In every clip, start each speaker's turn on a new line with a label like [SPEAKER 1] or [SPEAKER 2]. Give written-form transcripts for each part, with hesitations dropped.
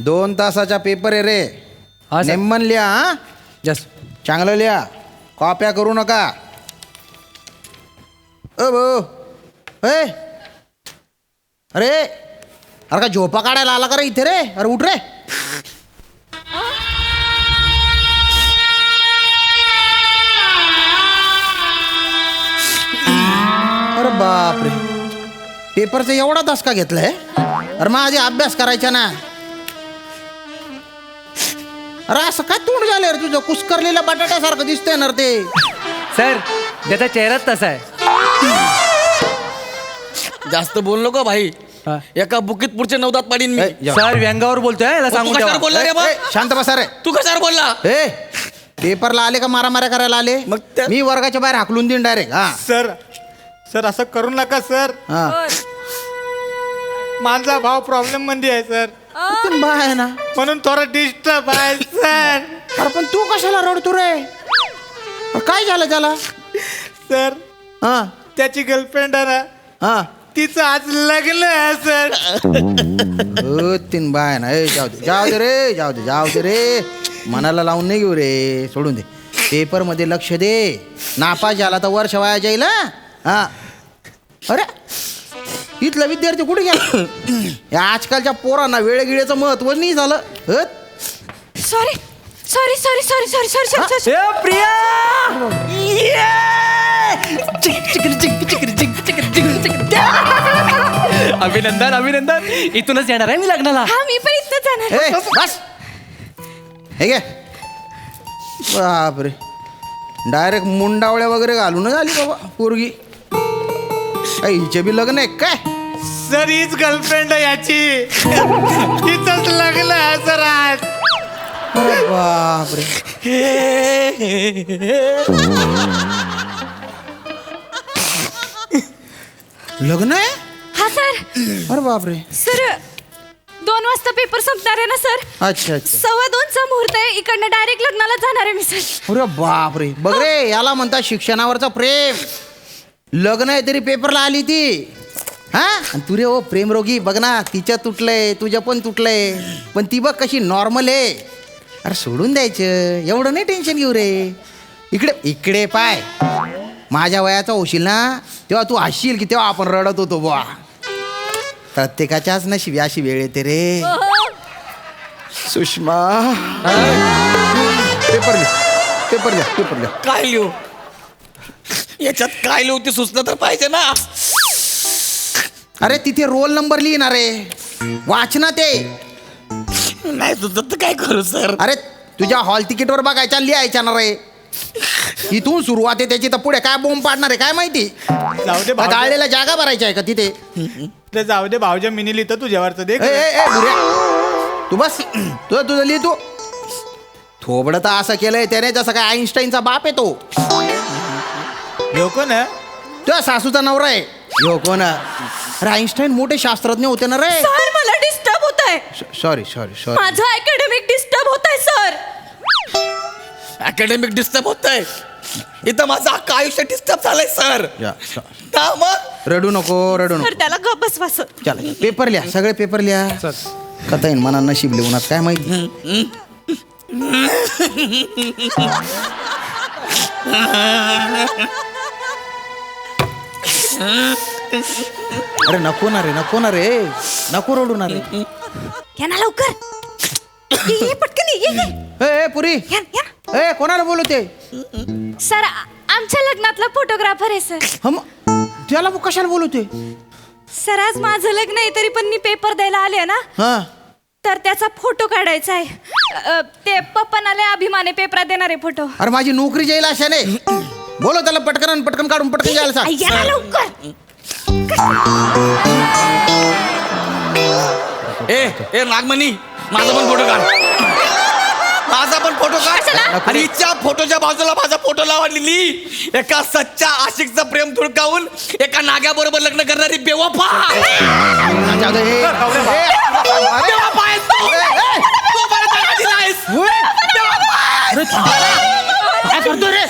[SPEAKER 1] 2 तासाचा पेपर आहे रे.
[SPEAKER 2] हा सर.
[SPEAKER 1] नेमन लिहा. हा
[SPEAKER 2] जस्ट
[SPEAKER 1] चांगलं लिहा, कॉप्या करू नका. ओ भाऊ, अरे अरे का झोपा काढायला आला का रे इथे रे? अरे उठ रे. अरे बापरे, पेपरचा एवढा धसका घेतलाय? अरे माझे अभ्यास करायचा ना. अरे असं काय तोंड झालं रे तुझं? कुस्करलेल्या बटाट्यासारखं दिसतंय ना रे ते.
[SPEAKER 2] सर, त्याचा चेहराच तसा आहे.
[SPEAKER 3] जास्त बोल नको भाई.
[SPEAKER 2] हा.
[SPEAKER 3] एका बुकीत पुढचे 9 दात पाडीन मी.
[SPEAKER 1] ए, जा.
[SPEAKER 2] सर व्यंगावर बोलतोय, याला
[SPEAKER 3] तू
[SPEAKER 2] सांगून
[SPEAKER 3] कशावर
[SPEAKER 2] ठेवा.
[SPEAKER 3] बोलला रे बा?
[SPEAKER 1] ए, शांत बसा रे.
[SPEAKER 3] तू कशावर बोलला?
[SPEAKER 1] ए पेपरला आले का मारामाऱ्या करायला आले?
[SPEAKER 3] मग त्या-
[SPEAKER 1] मी वर्गाच्या बाहेर हाकलून देईन डायरेक्ट. हा
[SPEAKER 4] सर सर असं करू नका सर.
[SPEAKER 1] हा
[SPEAKER 4] माझा भाव प्रॉब्लेम मध्ये आहे सर,
[SPEAKER 1] पण बा आहे ना.
[SPEAKER 4] म्हणून थोडा डिस्टर्ब आहे सर.
[SPEAKER 1] अरे पण तू कशाला रडतो रे? अरे काय झालं त्याला?
[SPEAKER 4] सर
[SPEAKER 1] हा
[SPEAKER 4] त्याची गर्लफ्रेंड आहे ना,
[SPEAKER 1] हा
[SPEAKER 4] तिचं आज लग्न आहे सर.
[SPEAKER 1] तीन बाय ना. ए जाऊ दे जाऊ दे रे, जाऊ दे रे. मनाला लावून नाही घेऊ रे, सोडून दे. पेपर मध्ये लक्ष दे. नापास झाला तर वर्ष वाया जाईल. हा अरे इथला विद्यार्थी कुठे गेला? या आजकालच्या पोरांना वेळगिळेचं महत्व नाही झालं.
[SPEAKER 5] Sorry sorry sorry sorry sorry sorry sorry
[SPEAKER 2] ए, प्रिया! अभिनंदन अभिनंदन. इथूनच येणार आहे मी लग्नाला.
[SPEAKER 5] हा मी पण इथं जाणार.
[SPEAKER 1] ए बस हे घे. बापरे, डायरेक्ट मुंडावळ्या वगैरे घालून आली बाबा पोरगी. हिचे बी लग्न आहे काय?
[SPEAKER 4] सर हीच गर्लफ्रेंड आहे याची. तिचंच लग्न आहे सर आज.
[SPEAKER 1] अरे बापरे. लग्न आहे?
[SPEAKER 5] हा सर.
[SPEAKER 1] अरे बापरे.
[SPEAKER 5] सर 2 वाजता पेपर संपणार आहे ना सर.
[SPEAKER 1] अच्छा अच्छा.
[SPEAKER 5] 2:15चा मुहूर्त आहे. इकडनं डायरेक्ट लग्नाला जाणार आहे मी सर.
[SPEAKER 1] अरे बापरे. बघ रे, याला म्हणतात शिक्षणावरचा प्रेम. लग्न आहे तरी पेपरला आली ती. हा आणि तू रे ओ प्रेमरोगी. बघ ना, तिच्या तुटलंय, तुझ्या पण तुटलंय, पण ती बघ कशी नॉर्मल आहे. अरे सोडून द्यायचं, एवढं नाही टेन्शन घेऊ रे. इकडे इकडे पाय. माझ्या वयाचा होशील ना तेव्हा तू हसशील की तेव्हा आपण रडत होतो बुवा. प्रत्येकाच्याच नशिबी अशी वेळ येते रे. सुषमा, पेपर लिह, पेपर लिह, पेपर लिह.
[SPEAKER 3] काय लिहू याच्यात? काय लिहू ते सुचलं तर पाहिजे ना.
[SPEAKER 1] अरे तिथे रोल नंबर लिहिणार रे. वाचना ते.
[SPEAKER 3] नाही सुचत तर काय करू सर?
[SPEAKER 1] अरे तुझ्या हॉल तिकीटवर बघायच्या, लिहायच्या ना रे. इथून सुरुवात आहे त्याची, तर पुढे काय बोंब पाडणार आहे काय माहिती.
[SPEAKER 4] जाऊ दे भाऊजा,
[SPEAKER 1] गाळलेला जागा भरायची आहे का तिथे?
[SPEAKER 4] ते जाऊ दे भाऊजा, मिनी लिहितो तुझ्यावरचं दे.
[SPEAKER 1] ए, ए, ए, बुऱ्या. तू बस, तुझं लिह तू. थोबडं तर असं केलंय त्याने जसं काय आईन्स्टाईनचा बाप आहे तो.
[SPEAKER 4] ह्यो कोण आहे?
[SPEAKER 1] तुझ्या सासूचा नवरा आहे. हो कोण? अरे आईन्स्टाईन मोठे शास्त्रज्ञ होते ना रे.
[SPEAKER 5] सर मला डिस्टर्ब होत आहे.
[SPEAKER 1] Sorry sorry sorry.
[SPEAKER 5] माझं अकॅडमिक डिस्टर्ब होत आहे सर.
[SPEAKER 3] अकॅडमिक डिस्टर्ब होत आहे. इथं माझं अख्खं आयुष्य डिस्टर्ब झालंय सर. का मग?
[SPEAKER 1] रडू नको, रडू नको.
[SPEAKER 5] सर त्याला गप बसवा सर.
[SPEAKER 1] चला पेपर लिहा, सगळे पेपर लिहा. कथा येईन मना नशीब लिहून काय माहिती. अरे नको ना रे, नको ना रे, नको रडू ना रे.
[SPEAKER 5] या ना लवकर. ये पटकन ये.
[SPEAKER 1] ए पुरी,
[SPEAKER 5] या या.
[SPEAKER 1] ए कोणाला बोलवते?
[SPEAKER 5] सर आमच्या लग्नातला फोटोग्राफर आहे सर.
[SPEAKER 1] हम त्याला कशाला बोलवते?
[SPEAKER 5] सर आज माझं लग्न आहे तरी पण मी पेपर द्यायला आले ना,
[SPEAKER 1] हा
[SPEAKER 5] तर त्याचा फोटो काढायचा आहे. ते पप्पानाले अभिमाने पेपरात देणारे फोटो.
[SPEAKER 1] अरे माझी नोकरी जाईल अशाने. बोलो त्याला पटकन आणि पटकन काढून पटकन जायला सांग.
[SPEAKER 5] या ना लवकर.
[SPEAKER 3] ए नागमणी, माझा पण फोटो काढ. माझा पण फोटो काढ. आणि हिच्या फोटोच्या बाजूला माझा फोटो लावलेली एका सच्चा आशिकचं प्रेम धुडकावून एका नाग्याबरोबर लग्न करणारी बेवफा.
[SPEAKER 1] जाऊ दे, ए,
[SPEAKER 3] बेवफा आहेस तू. तू मला धडा दिलायस. बेवफा आहेस.
[SPEAKER 1] काय करतो रे?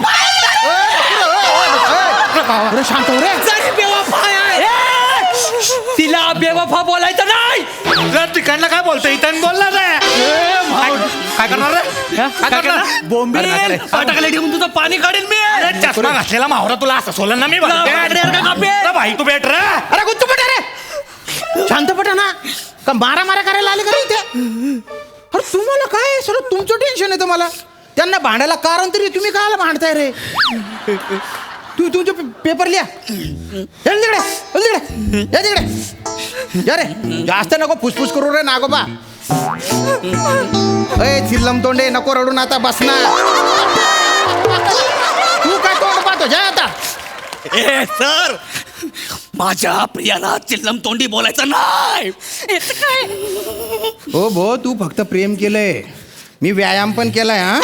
[SPEAKER 1] अरे शांत हो रे.
[SPEAKER 3] जरी बेवफा आहे,
[SPEAKER 2] तिला बेवफा बोलायचं नाही.
[SPEAKER 4] रड तिकडनं काय बोलतोय इथं बोलला काय करणार रे काय करणार
[SPEAKER 2] बोंबील टाकले ठेवून तुझं पाणी काढेल मी.
[SPEAKER 4] अरे चष्मा घातलेला मावरा तुला असं सोलन ना मी भाई तू भेट रे
[SPEAKER 1] अरे गुच्चू पटा रे शांतपटा ना का मारा करायला आले का रे इथे? अरे तुम्हाला काय सर तुमचं टेन्शन आहे तुम्हाला त्यांना भांडायला कारण तरी तुम्ही काय भांडताय रे तू तुमचे पेपर लिहा चल तिकडे चल तिकडे या तिकडे या रे जास्त नको फुसफुस करू रे नागोबा ए चिल्लम तोंडे नको रडून आता बसना तू काय तोंड पाहतो जा आता
[SPEAKER 3] ए सर माझ्या प्रियाला चिल्लम तोंडी बोलायचं नाही.
[SPEAKER 1] हो भो तू फक्त प्रेम केलंय मी व्यायाम पण केलाय हा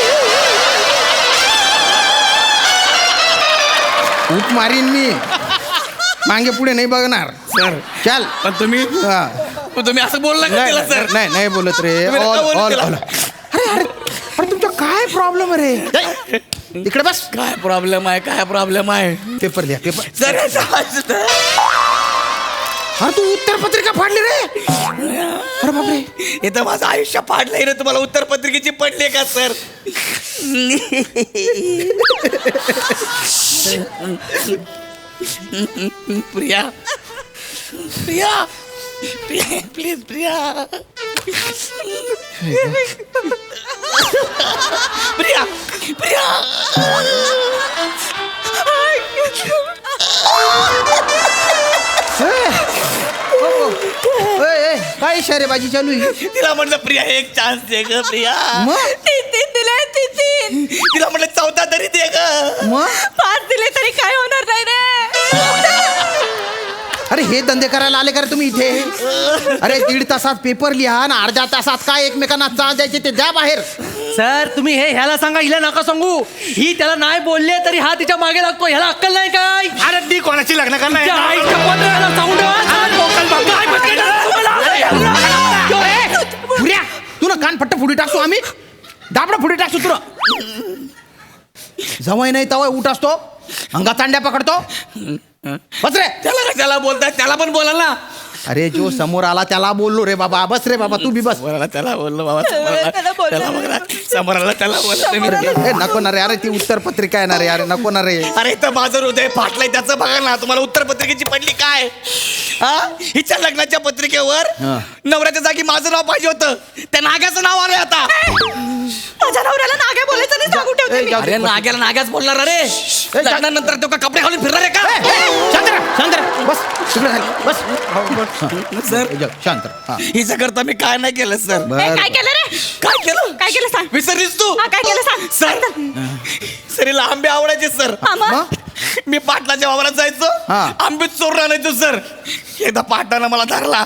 [SPEAKER 1] खूप मारीन मी मागे पुढे नाही बघणार
[SPEAKER 3] सर
[SPEAKER 1] चल
[SPEAKER 3] पण तुम्ही
[SPEAKER 1] हा.
[SPEAKER 3] असं बोलला का तिला सर?
[SPEAKER 1] नाही बोलत रे
[SPEAKER 3] तुम्ही नका बोलू
[SPEAKER 1] ऑल
[SPEAKER 3] तिला.
[SPEAKER 1] अरे अरे अरे तुमचा काय प्रॉब्लेम रे इकडे बस
[SPEAKER 3] काय प्रॉब्लेम आहे
[SPEAKER 1] पेपर द्या पेपर
[SPEAKER 3] सर
[SPEAKER 1] अरे तू उत्तर पत्रिका फाडली रे अरे बापरे
[SPEAKER 3] इथं माझं आयुष्य पाडलंय रे तुम्हाला उत्तर पत्रिकेची पडली का सर? प्रिया प्लीज प्रिया
[SPEAKER 1] काय इशारेबाजी चालू आहे
[SPEAKER 3] तिला म्हटलं प्रिया एक चान्स दे ग प्रिया.
[SPEAKER 1] मग
[SPEAKER 5] तीन दिले तीन
[SPEAKER 3] तिला म्हटलं 14 तरी दे ग.
[SPEAKER 1] मग
[SPEAKER 5] 5 दिले तरी काय होणार नाही रे.
[SPEAKER 1] अरे हे धंदे करायला आले का रे तुम्ही इथे अरे 1.5 तासात पेपर लिहा आणि अर्ध्या तासात काय एकमेकांना चाल द्यायचे ते द्या बाहेर
[SPEAKER 2] सर तुम्ही ह्याला सांगा हिला नका सांगू. ही त्याला नाही बोलले तरी हा तिच्या मागे लागतो. ह्याला अक्कल नाही काय?
[SPEAKER 4] अरे ती कोणाची लग्न
[SPEAKER 2] त्या
[SPEAKER 4] करणार
[SPEAKER 2] आईच्या पत्राला सांगू
[SPEAKER 1] पुऱ्या तू ना कान फट्ट फुडी टाकतो आम्ही दाबडा फुडी टाकतो तुला जवळ नाही तवय उठ असतो अंगा तांड्या पकडतो बस रे
[SPEAKER 3] त्याला कशाला बोलताय? त्याला पण बोला ना.
[SPEAKER 1] अरे जो समोर आला त्याला बोललो रे बाबा बस रे बाबा तू बी बस
[SPEAKER 3] समोराला त्याला बोललो बाबा
[SPEAKER 5] त्याला बोललो.
[SPEAKER 3] त्याला बघ ना. समोराला त्याला बोललो.
[SPEAKER 1] ए, नको ना रे अरे ती उत्तर पत्रिका आहे ना रे अरे नको ना रे
[SPEAKER 3] अरे इथं माझं हृदय फाटलंय त्याचं बघा ना. तुम्हाला उत्तर पत्रिकेची पडली काय? हा हिच्या लग्नाच्या पत्रिकेवर
[SPEAKER 1] हा.
[SPEAKER 3] नवऱ्याच्या जागी माझं नाव पाहिजे होतं. त्या नाग्याचं नाव आलंय आता.
[SPEAKER 5] माझ्या नवऱ्याला नागे बोलायचं नाही सांगू ठेवते मी.
[SPEAKER 3] अरे नाग्याला नाग्याच बोलणार अरे. लग्नानंतर तो का कपडे घालून फिरणार आहे
[SPEAKER 1] ए,
[SPEAKER 3] का?
[SPEAKER 1] ए, शांत रहा, शांत रहा. बस तिकडे खाली, बस
[SPEAKER 3] सर
[SPEAKER 1] ए, शांत रहा. हा.
[SPEAKER 3] हिच्या करता मी काय नाही केलं सर.
[SPEAKER 1] बर,
[SPEAKER 5] काय केलं रे?
[SPEAKER 3] काय केलं?
[SPEAKER 5] काय केलं सांग.
[SPEAKER 3] विसरलीस तू?
[SPEAKER 5] हा, काय केलं सांग.
[SPEAKER 3] सर सरीला आंबे आवडायचे सर.
[SPEAKER 5] हा, मग?
[SPEAKER 1] मग?
[SPEAKER 3] मी पाटलाच्या वावरात जायचो
[SPEAKER 1] हा.
[SPEAKER 3] आंबे चोरून आणायचो सर. एकदा पाटलानं मला धरला.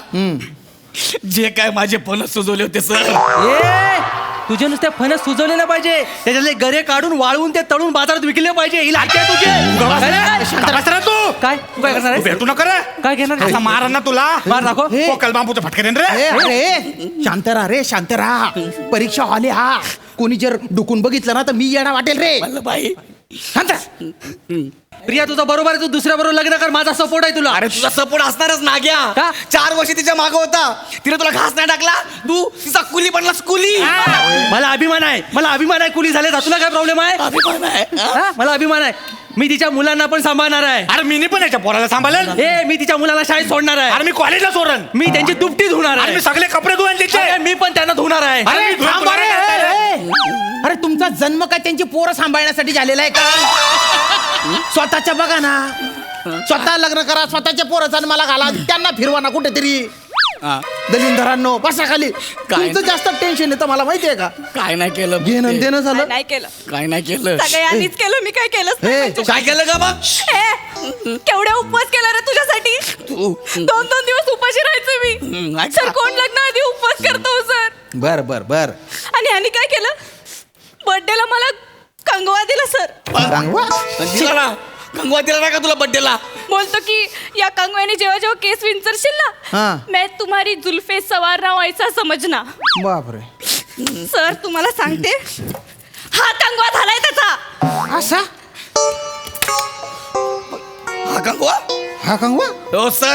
[SPEAKER 3] जे काय माझे फणस सुजवले होते सर.
[SPEAKER 2] तुझे नुसते फणस सुजवले नाही पाहिजे. त्याच्यातले गरे काढून वाळवून ते तळून बाजारात विकले पाहिजे. ही लायकी आहे तुझी.
[SPEAKER 4] शांत बस रे तू
[SPEAKER 2] काय तू काय करणार
[SPEAKER 4] तू
[SPEAKER 2] आहे?
[SPEAKER 4] भेटू नका रे
[SPEAKER 2] काय घेणार
[SPEAKER 4] असा मारा ना तुला
[SPEAKER 2] मार दाखव.
[SPEAKER 1] हे.
[SPEAKER 4] पोकल बांबूचं फटके देन रे
[SPEAKER 1] ए, अरे शांत राहा रे शांत राहा परीक्षा हॉल आहे हा कोणी जर डुकून बघितलं ना तर मी येणं वाटेल रे
[SPEAKER 3] वल्लभाई
[SPEAKER 1] शांत राहा.
[SPEAKER 2] प्रिया तुझा बरोबर आहे. तू दुसऱ्या बरोबर लग्न कर. माझा सपोर्ट आहे तुला.
[SPEAKER 3] अरे तुझा सपोर्ट असणारच नाग्या.
[SPEAKER 2] का?
[SPEAKER 3] 4 वर्ष तिच्या मागं होता. तिने तुला घास नाही टाकला. तू तिचा कुली बनलास कुली.
[SPEAKER 2] मला अभिमान आहे. मला अभिमान आहे. कुली झाले तुला काय प्रॉब्लेम आहे?
[SPEAKER 3] अभिमान आहे. हा?
[SPEAKER 2] हा? मला अभिमान आहे. मी तिच्या मुलांना पण सांभाळणार आहे.
[SPEAKER 4] अरे मी पण याच्या पोराला सांभाळेल
[SPEAKER 2] ए मी तिच्या मुलाला शाळेत सोडणार आहे.
[SPEAKER 4] अरे मी कॉलेजला सोडन
[SPEAKER 2] मी त्यांची दुपटी धुणार
[SPEAKER 4] अरे
[SPEAKER 2] आहे.
[SPEAKER 4] मी सगळे कपडे धुवून त्याचे
[SPEAKER 2] अरे, मी पण त्यांना धुणार आहे.
[SPEAKER 4] अरे,
[SPEAKER 1] अरे थांब रे, ए, अरे तुमचा जन्म काय त्यांची पोरं सांभाळण्यासाठी झालेला आहे का स्वतःच्या बघा ना स्वतः लग्न करा स्वतःच्या पोरं जन्माला घाला त्यांना फिरवा ना कुठेतरी
[SPEAKER 3] हा.
[SPEAKER 1] दलिंदरांनो बसा खाली तुमचं जास्त टेन्शन येतं मला माहितीये का
[SPEAKER 3] काय नाही केलं
[SPEAKER 1] घेणं देणं झालं
[SPEAKER 5] नाही केलं.
[SPEAKER 3] काय नाही केलं.
[SPEAKER 5] सगळ्यांनीच केलं. मी काय केलंच
[SPEAKER 1] हे,
[SPEAKER 5] नाही.
[SPEAKER 3] तू काय केलं का मग?
[SPEAKER 5] केवढे उपवास केला रे तुझ्यासाठी.
[SPEAKER 3] तू
[SPEAKER 5] 2-2 दिवस उपाशी राहायचं मी.
[SPEAKER 3] ऐका.
[SPEAKER 5] सर कोण लग्न आधी उपवास करतो सर.
[SPEAKER 1] बर बर बर
[SPEAKER 5] आणि ह्यानी काय केलं बर्थडेला मला कंगवा दिला सर.
[SPEAKER 1] सांगवा
[SPEAKER 3] दिला ना कंगवा दिला ना का तुला बड्डेला?
[SPEAKER 5] बोलतो की या कंगव्याने जेव्हा जेव्हा केस विंचरशील
[SPEAKER 1] हा.
[SPEAKER 5] ना मैं तुम्हारी जुल्फे सवार ना व्हायचा समजना.
[SPEAKER 1] बापरे
[SPEAKER 5] सर तुम्हाला सांगते हा कंगवा झालाय त्याचा.
[SPEAKER 1] असा
[SPEAKER 3] हा कंगवा?
[SPEAKER 1] हा कंगवा
[SPEAKER 3] हो सर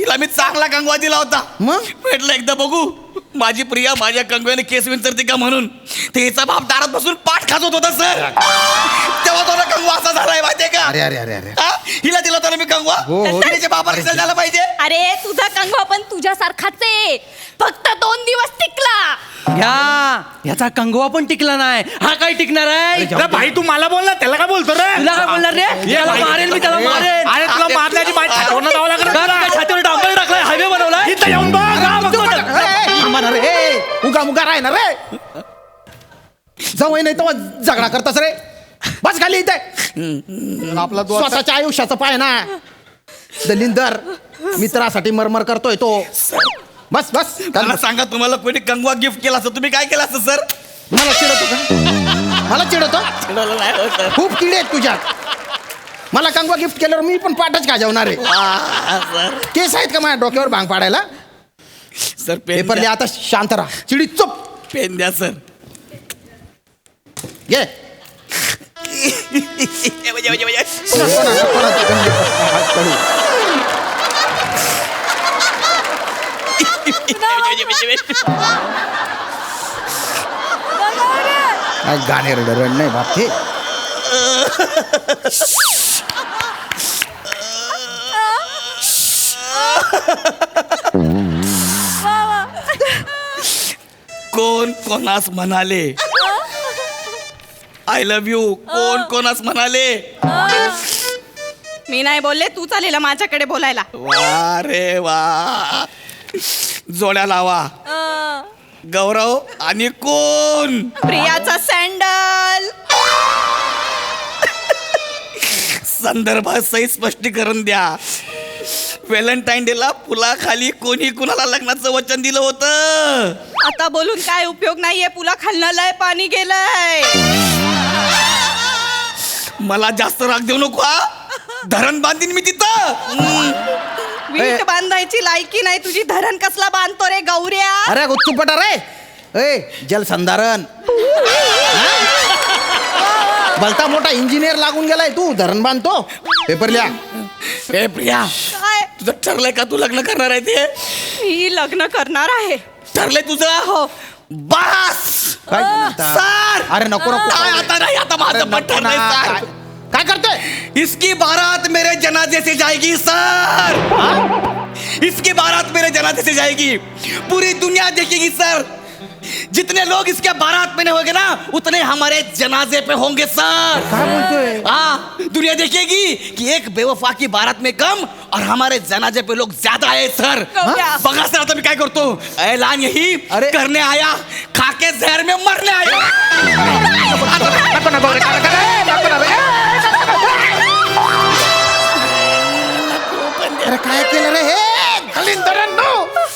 [SPEAKER 3] तिला मी चांगला कंगवा दिला होता
[SPEAKER 1] मग?
[SPEAKER 3] म्हटलं एकदा बघू माझी प्रिया माझ्या कंगव्याने केस विंचरते का म्हणून ते हिचा बाप दारात बसून पाठ खाजवत होता सर तेव्हा तो कंगवा असा झालाय माहितीये का
[SPEAKER 1] अरे अरे अरे अरे
[SPEAKER 3] हा? हिला दिला होता ना मी कंगवा
[SPEAKER 1] हो, हो.
[SPEAKER 3] तिच्या बापाला रिझल्ट झाला पाहिजे
[SPEAKER 5] अरे तुझा कंगवा पण तुझ्यासारखाच आहे फक्त 2 दिवस टिकला.
[SPEAKER 2] घ्या याचा कंगवा पण टिकला नाही हा काय टिकणार आहे
[SPEAKER 4] अरे भाई तू मला बोल ना त्याला काय बोलतो रे
[SPEAKER 2] तुला काय बोलणार रे त्याला मारेल मी त्याला मारेल
[SPEAKER 4] अरे तुला मारल्याची माहिती छातीवरनं जावं लागलं
[SPEAKER 2] का काय छातीवर डांबर टाकलाय हायवे बनवलाय
[SPEAKER 4] इथं येऊन बघ हा, बघतो तर.
[SPEAKER 1] उगा मुगा राहणार रे जवळ नाही तर झगडा करतास रे बस खाली इथे
[SPEAKER 4] आपला
[SPEAKER 1] स्वतःच्या आयुष्याचं पाय ना दलिंदर मित्रासाठी मरमर करतोय तो बस बस
[SPEAKER 3] मला सांगा तुम्हाला कोणी कंगवा गिफ्ट केला असं तुम्ही काय केलं असतं सर
[SPEAKER 1] मला चिडवतो का मला चिडवतो
[SPEAKER 3] नाही हो, सर.
[SPEAKER 1] खूप किडे आहेत तुझ्यात मला कंगवा गिफ्ट केल्यावर मी पण पाठच गाजवणार आहे
[SPEAKER 3] सर
[SPEAKER 1] केस आहेत का माझ्या डोक्यावर भांग पाडायला
[SPEAKER 3] सर
[SPEAKER 1] पेपर लिहा आता शांत राहा चिडी चुप
[SPEAKER 3] पेन द्या सर
[SPEAKER 1] घे नको ना, नको ना, ते गंज हात काढू. काय गाणे रड नाही बाप ते
[SPEAKER 3] कोण कोणास म्हणाले आय लव्ह यू कोण कोणास म्हणाले
[SPEAKER 5] मी नाही बोलले तू चालेल माझ्याकडे बोलायला.
[SPEAKER 3] वा रे वा जोड्या लावा गौरव आणि कोण
[SPEAKER 5] प्रियाचा सँडल
[SPEAKER 3] संदर्भात सही स्पष्टीकरण द्या व्हॅलेंटाईन डेला पुलाखाली कोणी कुणाला लग्नाचं वचन दिलं होतं
[SPEAKER 5] आता बोलून काय उपयोग नाहीये पुला खालनं लय पाणी गेलंय.
[SPEAKER 3] मला जास्त राग देऊ नको हा धरण बांधीन मी तिथं
[SPEAKER 5] वीट बांधायची लायकी नाही तुझी धरण कसला बांधतो रे गौऱ्या.
[SPEAKER 1] अरे गुच्चूपटा रे ए जलसंधारण भलता मोठा इंजिनियर लागून गेलाय तू धरण बांधतो पेपर लिहा
[SPEAKER 3] ए प्रिया
[SPEAKER 5] काय
[SPEAKER 3] तुझं ठरलंय का तू लग्न करणार आहे ते
[SPEAKER 5] मी लग्न करणार आहे.
[SPEAKER 3] ठरलंय तुझं
[SPEAKER 5] हो.
[SPEAKER 3] बस
[SPEAKER 1] काय म्हणता?
[SPEAKER 3] सर
[SPEAKER 1] अरे नको नको
[SPEAKER 3] काय आता नाही आता
[SPEAKER 1] अरे
[SPEAKER 3] माझं पण
[SPEAKER 1] नको ना.
[SPEAKER 3] ठरलंय सर
[SPEAKER 1] काय- काय करतोय
[SPEAKER 3] इसकी बारात मेरे जनाजे से जाएगी सर इसकी बारात मेरे जनाजे से जाएगी पूरी दुनिया देखेगी सर जितने लोग इसके बारात में होंगे ना उतने हमारे जनाजे पे होंगे सर
[SPEAKER 1] काय बोलतोय
[SPEAKER 3] हाँ दुनिया देखेगी कि एक बेवफा की बारात में कम और हमारे जनाजे पे लोग ज्यादा आए सर
[SPEAKER 5] हाँ?
[SPEAKER 3] बघा सर आता मी काय करतो ऐलान यही
[SPEAKER 1] अरे.
[SPEAKER 3] करने आया खाके जहर में मरने आया
[SPEAKER 1] नको नको रे, नको रे, नको रे. अरे काय केलं रे हे दलिंदरांनो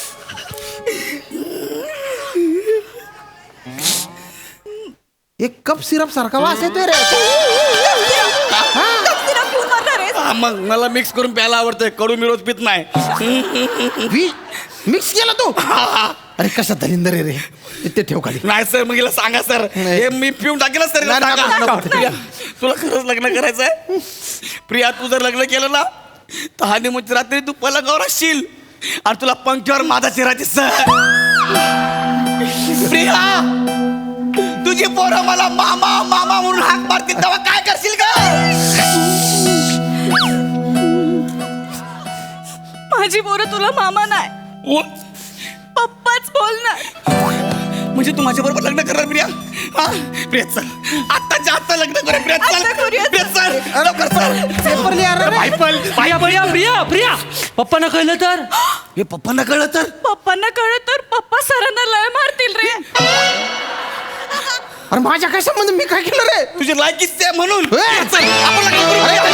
[SPEAKER 1] एक कप सिरप सारखा वास येतोय रे
[SPEAKER 5] तिला पिऊन मरणार आहेस?
[SPEAKER 3] हा, मग मला मिक्स करून प्यायला आवडतंय कडू मी रोज पित नाही
[SPEAKER 1] मिक्स केला तू अरे कसा दलिंदर आहे रे ते ठेव खाली
[SPEAKER 3] नाही सर मग हिला सांगा सर
[SPEAKER 1] नाही.
[SPEAKER 3] हे मी पिऊन टाकेल सर हिला
[SPEAKER 1] नाही,
[SPEAKER 3] सांगा.
[SPEAKER 1] नको, नको.
[SPEAKER 3] प्रिया, तुला खरंच लग्न करायचंय प्रिया तू जर लग्न केलं ना तर हानिमूनच्या रात्री तू पलंगावर असशील आणि तुला पंख्यावर माझा चेहरा दिसत प्रिया तुझी पोरं मला मामा मामा म्हणून हाक मारतील तेव्हा काय करशील का
[SPEAKER 5] माझी पोरं तुला मामा नाही पप्पाच बोलणार.
[SPEAKER 3] म्हणजे तू माझ्या बरोबर लग्न करणार प्रिया हा प्रिया चल आत्ताच्या आत्ता लग्न करूया प्रिया चल
[SPEAKER 5] आता करूया.
[SPEAKER 3] प्रिया चल लवकर चल
[SPEAKER 1] पेपर लिहा रे
[SPEAKER 2] प्रिया प्रिया प्रिया प्रिया पप्पांना कळलं तर
[SPEAKER 3] हे पप्पांना कळलं तर
[SPEAKER 5] पप्पांना कळलं तर पप्पा सरांना लय मारतील रे.
[SPEAKER 1] अरे माझ्या काय संबंध मी काय केलं रे
[SPEAKER 3] तुझी लायकीच आहे म्हणून
[SPEAKER 1] ए!
[SPEAKER 3] चल आपण लग्न करू.
[SPEAKER 1] अरे,